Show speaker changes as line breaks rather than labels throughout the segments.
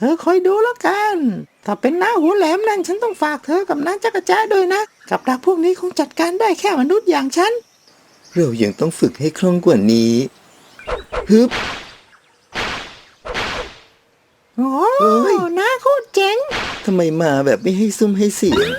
ธอคอยดูแล้วกันถ้าเป็นน้าหัวแหลมนั่นฉันต้องฝากเธอกับน้าจักรจ้าด้วยนะกับดักพวกนี้คงจัดการได้แค่มนุษย์อย่างฉัน
เรายังต้องฝึกให้คล่องกว่านี้ฮึบ
โอ้
เอ้ย
น้าโคตรเจ๋ง
ทำไมมาแบบไม่ให้ซุ่มให้เสียง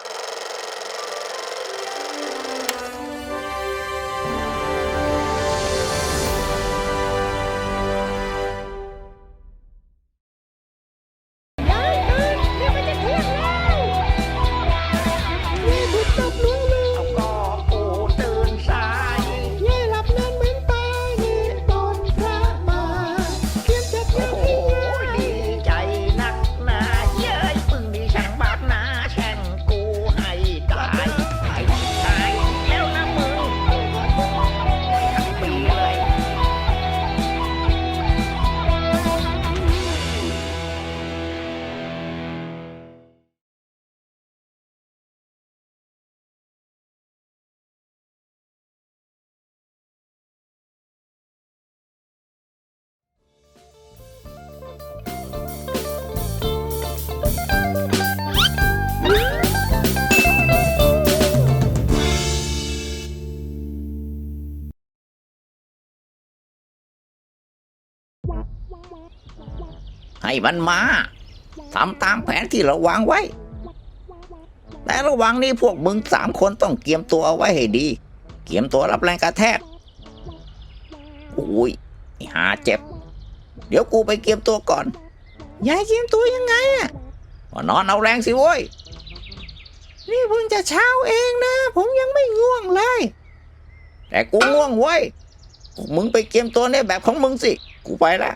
ให้มันมาทำตามแผนที่เราวางไว้แต่ระหว่างนี้พวกมึง3 คนต้องเตรียมตัวเอาไว้ให้ดีเตรียมตัวรับแรงกระแทกอุ้ยหาเจ็บเดี๋ยวกูไปเตรียมตัวก่อน
ยายเตรียมตัวยังไงอะ
นอนเอาแรงสิโว้ย
นี่เพิ่งจะเช้าเองนะผมยังไม่ง่วงเลย
แต่กูง่วงเว้ยพวกมึงไปเตรียมตัวในแบบของมึงสิกูไปละ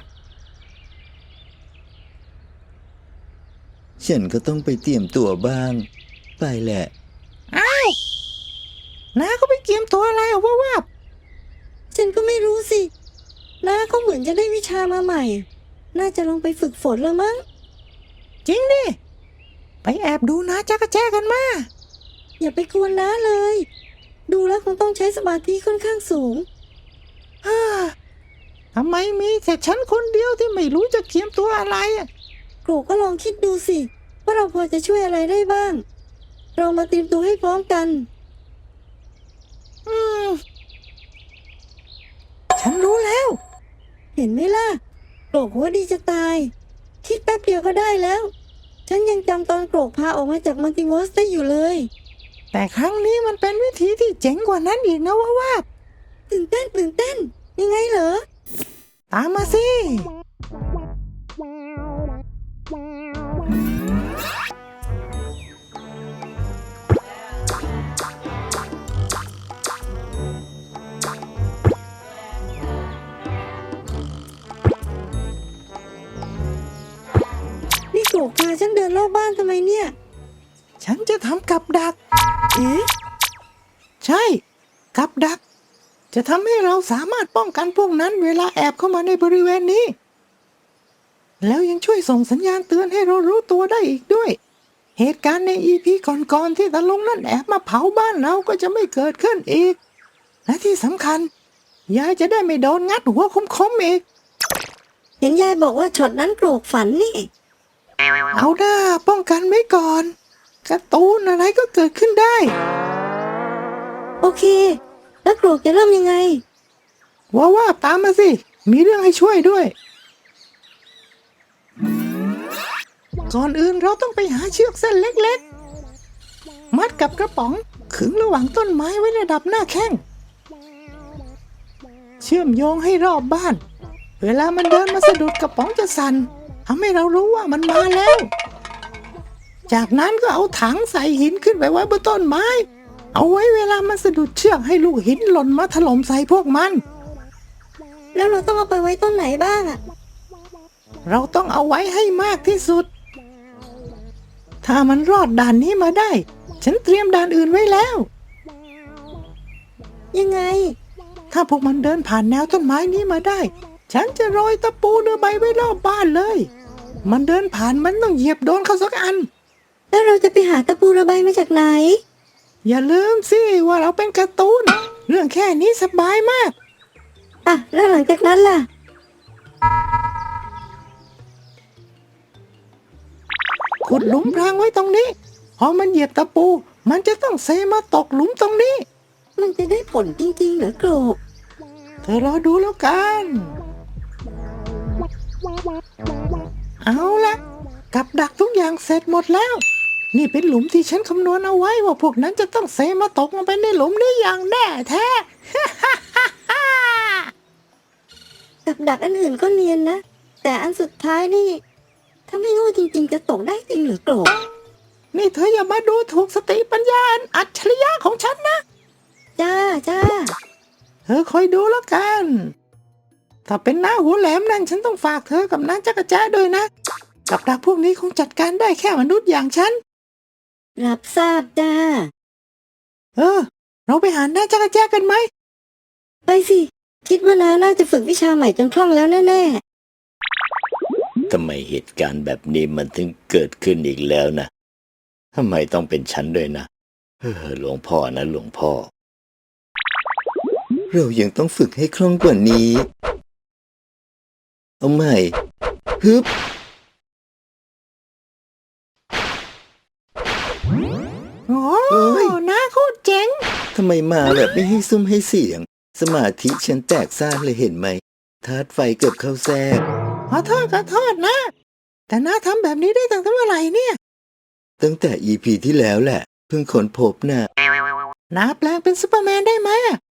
ฉันก็ต้องไปเตรียมตัวบ้างไปแหละ
อ้าวน้าเขาไปเตรียมตัวอะไรอ่ะว่า
ฉันก็ไม่รู้สิน้าเขาเหมือนจะได้วิชามาใหม่ น่าจะลองไปฝึกฝนแล้วมั้ง
จริงดิไปแอบดูน้าจักรแจ้กันมา
อย่าไปกวนน้าเลย ดูแล้วคงต้องใช้สมาธิค่อนข้างสูง
ฮ่าทำไมมีแต่ฉันคนเดียวที่ไม่รู้จะเตรียมตัวอะไรอ่ะ
โกรกก็ลองคิดดูสิว่าเราพอจะช่วยอะไรได้บ้าง เรามาเตรียมตัวให้พร้อมกัน
อืมฉันรู้แล้ว
เห็นไหมล่ะโกรกหัวดีจะตาย คิดแป๊บเดียวก็ได้แล้ว ฉันยังจำตอนโกรกพาออกมาจากมัลติเวิร์สได้อยู่เลย
แต่ครั้งนี้มันเป็นวิธีที่เจ๋งกว่านั้นอีกนะว่า
ตื่นเต้นยังไงเหรอ
ตามมาสิ
นี่โกรกพาฉันเดินรอบบ้านทำไมเนี่ย
ฉันจะทำกับดัก
เอ๊ะ
ใช่กับดัก จะทำให้เราสามารถป้องกันพวกนั้นเวลาแอบเข้ามาในบริเวณนี้ แล้วยังช่วยส่งสัญญาณเตือนให้เรารู้ตัวได้อีกด้วย เหตุการณ์ในEPก่อนๆที่ตาลุงนั่นแอบมาเผาบ้านเราก็จะไม่เกิดขึ้นอีก และที่สำคัญยายจะได้ไม่โดนงัดหัวคมๆอีก
เห็นยายบอกว่าช็อตนั้นโกรกฝันนี่
เอาหน้าป้องกันไว้ก่อนการ์ตูนอะไรก็เกิดขึ้นได้
โอเค แล้วโกรกจะเริ่มยังไง
ว่าตามมาสิ มีเรื่องให้ช่วยด้วย ก่อนอื่นเราต้องไปหาเชือกเส้นเล็กๆ มัดกับกระป๋องขึงระหว่างต้นไม้ไว้ระดับหน้าแข้ง เชื่อมโยงให้รอบบ้าน เวลามันเดินมาสะดุดกระป๋องจะสั่นทำให้เรารู้ว่ามันมาแล้ว จากนั้นก็เอาถังใส่หินขึ้นไปไว้บนต้นไม้ เอาไว้เวลามันสะดุดเชือกให้ลูกหินหล่นมาถล่มใส่พวกมัน
แล้วเราต้องเอาไปไว้ต้นไหนบ้างอะ
เราต้องเอาไว้ให้มากที่สุด ถ้ามันรอดด่านนี้มาได้ ฉันเตรียมด่านอื่นไว้แล้ว
ยังไง
ถ้าพวกมันเดินผ่านแนวต้นไม้นี้มาได้ ฉันจะโรยตะปูเรือใบไว้รอบบ้านเลย มันเดินผ่านมันต้องเหยียบโดนเข้าสักอัน
แล้วเราจะไปหาตะปูระบายมาจากไหน
อย่าลืมสิว่าเราเป็นการ์ตูน เรื่องแค่นี้สบายมาก
อ่ะ แล้วหลังจากนั้นล่ะ
ขุดหลุมพรางไว้ตรงนี้ พอมันเหยียบตะปู มันจะต้องเซมาตกหลุมตรงนี้
มันจะได้ผลจริงๆเหรอโกรก
เธอรอดูแล้วกัน เอาละกับดักทุกอย่างเสร็จหมดแล้ว นี่เป็นหลุมที่ฉันคำนวณเอาไว้ว่าพวกนั้นจะต้องเซมาตกลงไปในหลุมนี้อย่างแน่แท้
กับดักอันอื่นก็เนียนนะ แต่อันสุดท้ายนี่ ถ้าไม่โง่จริงๆจะตกได้จริงเหรือโกรก
นี่เธออย่ามาดูถูกสติปัญญาอันอัจฉริยะของฉันนะ
จ้าจ้า
เธอคอยดูแล้วกัน ถ้าเป็นหน้าหัวแหลมนั่นฉันต้องฝากเธอกับน้าจักรแจ้ด้วยนะ กับดักพวกนี้คงจัดการได้แค่มนุษย์อย่างฉัน
รับทราบจ้า
เราไปหาน้าจักรแจ้กันไหม
ไปสิ คิดว่าน้าน่าจะฝึกวิชาใหม่จนคล่องแล้วแน่
ทำไมเหตุการณ์แบบนี้มันถึงเกิดขึ้นอีกแล้วนะทำไมต้องเป็นฉันด้วยนะหลวงพ่อนะหลวงพ่อ เรายังต้องฝึกให้คล่องกว่านี้ เอาใหม่ฮึบ
โอ้ยน้าโคตรเจ๋ง
ทำไมมาแบบไม่ให้ซุ้มให้เสียง สมาธิฉันแตกซ่านเลยเห็นไหมธาตุไฟเกือบเข้าแทรก
ขอโทษนะ แต่น้าทำแบบนี้ได้ตั้งแต่เมื่อไหร่เนี่ย
ตั้งแต่ EP ที่แล้วแหละ เพิ่งค้นพบนะ
น้าแปลงเป็นซูเปอร์แมนได้ไหม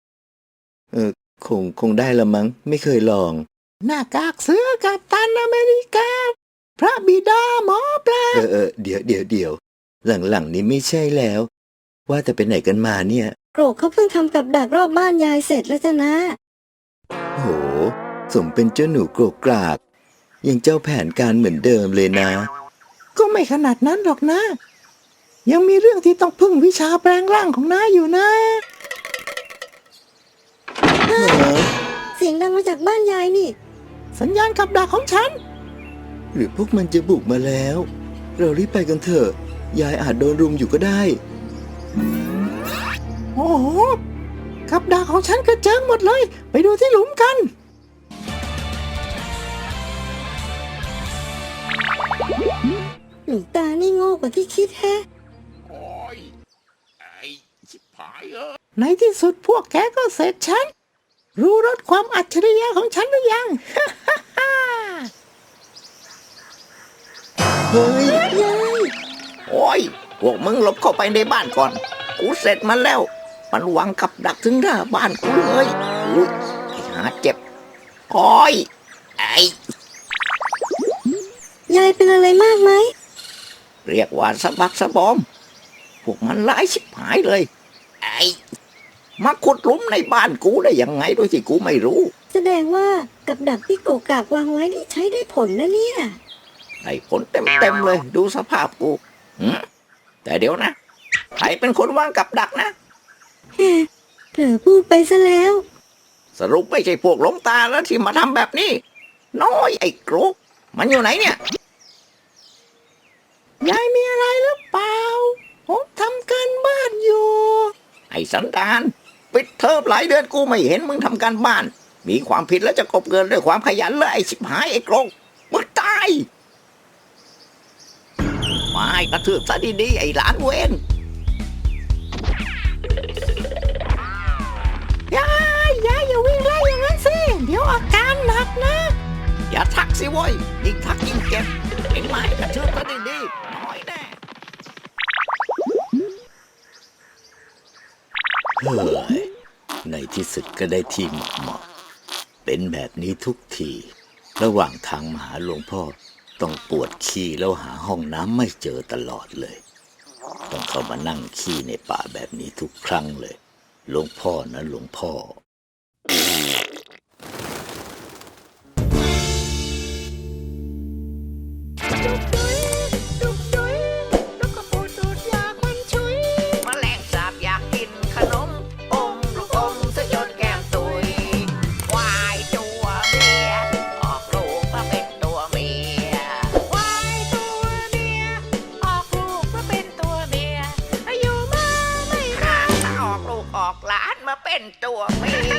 คงได้ละมั้งไม่เคยลอง
หน้ากากเสือกับตันอเมริกา พระบิดาหมอปลา
เดี๋ยวหลังนี้ไม่ใช่แล้ว ว่าแต่ไปไหนกันมาเนี่ย
ๆ โกรกเขาเพิ่งทำกับดักรอบบ้านยายเสร็จแล้วจ้ะนะ
โห สมเป็นเจ้าหนูโกรกกราก ยังเจ้าแผนการเหมือนเดิมเลยนะ
ก็ไม่ขนาดนั้นหรอกนะ ยังมีเรื่องที่ต้องพึ่งวิชาแปลงร่างของน้าอยู่นะ
เสียงดังมาจากบ้านยายนี่
สัญญาณกับดักของฉัน
หรือพวกมันจะบุกมาแล้ว เรารีบไปกันเถอะ ยายอาจโดนรุมอยู่ก็ได้
โอ้โหกับดักของฉันกระเจิงหมดเลย ไปดูที่หลุมกัน
หลวงตานี่โง่กว่าที่คิดแฮะ
โอ้ย ไอ้ชิบหาย
ในที่สุดพวกแกก็เสร็จฉัน รู้รสความอัจฉริยะของฉันหรือยัง
เฮ้ย
โอ้ย พวกมึงหลบเข้าไปในบ้านก่อน กูเสร็จมันแล้ว มันวางกับดักถึงหน้าบ้านกูเลยอุ้ยไอ้หาเจ็บโอ้ย ไอ้
ยายเป็นอะไรมากไหม
เรียกว่าสะบักสะบอม พวกมันร้ายชิบหายเลย ไอ้มาขุดหลุมในบ้านกูได้ยังไงโดยที่กูไม่รู้
แสดงว่ากับดักที่โกกากวางไว้นี่ใช้ได้ผลนะเนี่ย
ได้ผลเต็มเลย ดูสภาพกูแต่เดี๋ยวนะ ใครเป็นคนวางกับดักนะ
เผลอพูดไปซะแล้ว
สรุปไม่ใช่พวกหลงตาแล้วที่มาทำแบบนี้ น้อยไอ้กรุกมันอยู่ไหนเนี่ย
ยายมีอะไรหรือเปล่า ผมทำการบ้านอยู่
ไอ้สันดานปิดเทอมหลายเดือนกูไม่เห็นมึงทำการบ้าน มีความผิดแล้วจะกบเกินด้วยความขยันเลยไอ้ชิบหายไอ้กรุกมึงตายไม่กระทืบซะดีๆไอ้หลานเวน
ยายอย่าวิ่งไล่อย่างนั้นสิ เดี๋ยวอาการหนักนะ
อย่าทักสิโว้ยยิ่งทักยิ่งเจ็บเห็นไหมกระทืบซะดีๆน้อยแน่
เฮ้ย ในที่สุดก็ได้ที่เหมาะเป็นแบบนี้ทุกที ระหว่างทางมาหาหลวงพ่อ ต้องปวดขี้แล้วหาห้องน้ำไม่เจอตลอดเลย ต้องเข้ามานั่งขี้ในป่าแบบนี้ทุกครั้งเลย หลวงพ่อนะหลวงพ่อ
แมลงสาบอยากกินขนมอมลูกอมซะจนแก้มตุยควายตัวเมียออกลูกมาเป็นตัวเมียควายตัวเมียออกลูกมาเป็นตัวเมียอายุมาไม่นานออกลูกออกหลานมาเป็นตัวเมีย